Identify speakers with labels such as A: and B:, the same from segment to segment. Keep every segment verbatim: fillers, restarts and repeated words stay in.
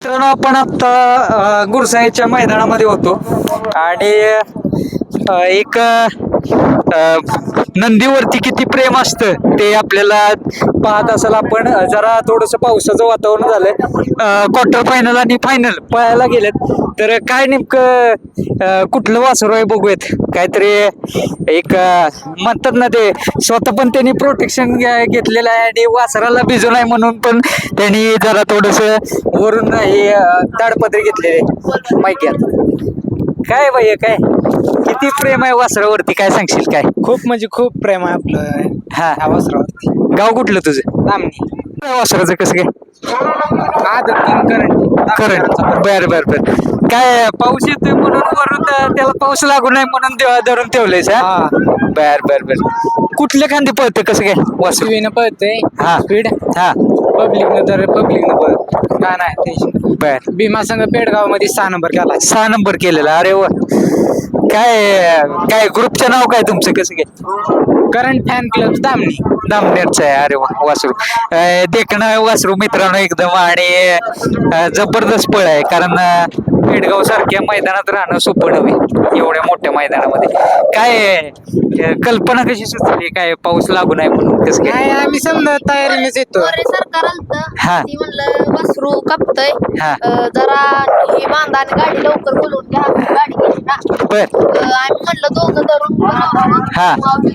A: मित्रांनो आपण आता गुरसाईच्या मैदानामध्ये होतो आणि अ, एक अ, नंदीवरती किती प्रेम असतं ते आपल्याला पाहत असाल आपण. जरा थोडस पावसाचं वातावरण झालंय. क्वार्टर फायनल आणि फायनल पळायला गेलेत तर काय नेमकं अ, कुठलं वासरू आहे बघूयात. काहीतरी एक अ, म्हणतात ना ते स्वतः पण त्यांनी प्रोटेक्शन घेतलेलं आहे आणि वासराला भिजू नये म्हणून पण त्यांनी जरा थोडस वरून हे अ, ताडपत्री घेतलेले माहिती. काय भैया काय किती प्रेम आहे वासरावरती काय सांगशील काय?
B: खूप म्हणजे खूप प्रेम आहे आपलं
A: हा
B: ह्या वासरावरती.
A: गाव कुठलं तुझं?
B: दामणी
A: वासराचं कसं काय?
B: आदत किंग करंट
A: करंट बर बर बर. काय पाऊस येतोय म्हणून वरून त्या- त्याला पाऊस लागू नये म्हणून देवा धरून ठेवलंयस हा?
B: हा
A: बर बर बर. कुठल्या खांदी पळतं कसं काय वासरू?
B: शिवीनं पळतंय
A: हा.
B: स्पीड
A: हा
B: पब्लिकनं तर पब्लिकनं पळत काय नाही टेन्शन.
A: बर.
B: भीमा संघ पेडगाव मध्ये सहा नंबर केला.
A: सहा नंबर केलेला अरे वा. काय काय ग्रुपचं नाव काय तुमचं कसं काय?
B: Current fan club Damni.
A: दामनेरचं आहे अरे वा वासरू. अं, देखणं वासरू मित्रांनो एकदम आणि अं, जबरदस्त पळ आहे कारण अं, पेडगाव सारख्या मैदानात राहणं सोपं नव्हे एवढ्या मोठ्या मैदानामध्ये. काय अं, कल्पना कशी सुचली काय पाऊस लागू नये म्हणून कसं काय?
B: नाही आम्ही समजा तयारीनेच येतो.
C: अरे सरकार आलतं
A: हा.
C: ती म्हणलं वासरू कापतय
A: हा.
C: जरा हे बांधा आणि गाडी लवकर बोलवून घ्या म्हणून गाडी गेली ना.
A: बर.
C: अं, आम्ही म्हणलं दोघं धरून
A: हा.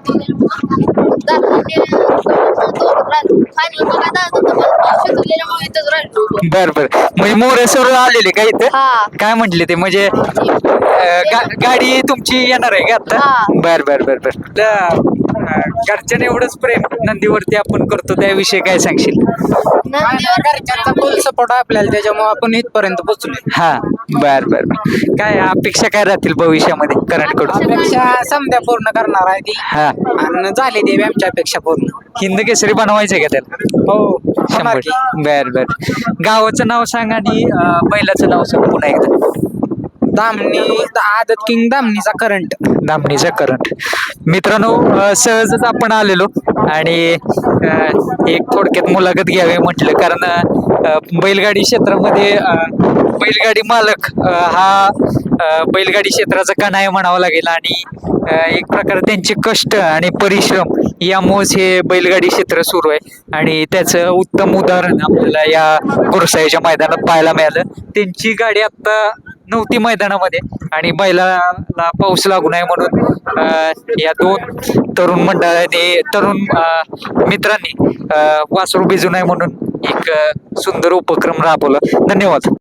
C: फायनल बघा जायचं होतं पण पाऊस सुटलेल्यामुळे इथंच राहिलो.
A: बर बर म्हणजे मोरे सर आलेले का इथं?
C: हा.
A: काय म्हटले ते म्हणजे अं, गा- गाडी तुमची येणार आहे का आता?
C: हा.
A: बर बर बर बर. घरच्याने एवढंच प्रेम नंदीवरती आपण करतो त्याविषयी काय सांगशील?
C: नंदीवर
B: घरच्यांचा फुल सपोर्ट आपल्याला त्याच्यामुळे आपण इथपर्यंत पोहोचलोय.
A: हा बर बर बर. काय अपेक्षा काय राहतील भविष्यामध्ये करंट कडून?
B: अपेक्षा समध्या पूर्ण करणार आहे ती
A: हा.
B: आणि झाली देवी आमच्या अपेक्षा पूर्ण.
A: हिंद केसरी बनवायचंय का त्याला?
B: हो होणार
A: शंभर.
B: की.
A: बर बर. गावाचं नाव सांग आणि अं, बैलाचं नाव सांग पुन्हा एकदा.
B: दामणी आदत किंग दामणीचा करंट.
A: दामणीचा करंट. मित्रांनो अं, सहजच आपण आलेलो आणि अं, एक थोडक्यात मुलाखत घ्यावी म्हटलं कारण अं, बैलगाडी क्षेत्रामध्ये अं, बैलगाडी मालक अं, हा अं, बैलगाडी क्षेत्राचा कणा म्हणावा लागेल आणि अं, एक प्रकारे त्यांचे कष्ट आणि परिश्रम यामुळेच हे बैलगाडी क्षेत्र सुरू आहे आणि त्याचं उत्तम उदाहरण आपल्याला या गुरसाईच्या मैदानात पाहायला मिळालं. त्यांची गाडी आता नव्हती मैदानामध्ये आणि बैलाला पाऊस लागू नये म्हणून अं, या दोन तरुण मंडळाने तरुण अं, मित्रांनी अं, वासरू भिजू नये म्हणून एक अं, सुंदर उपक्रम राबवला. धन्यवाद.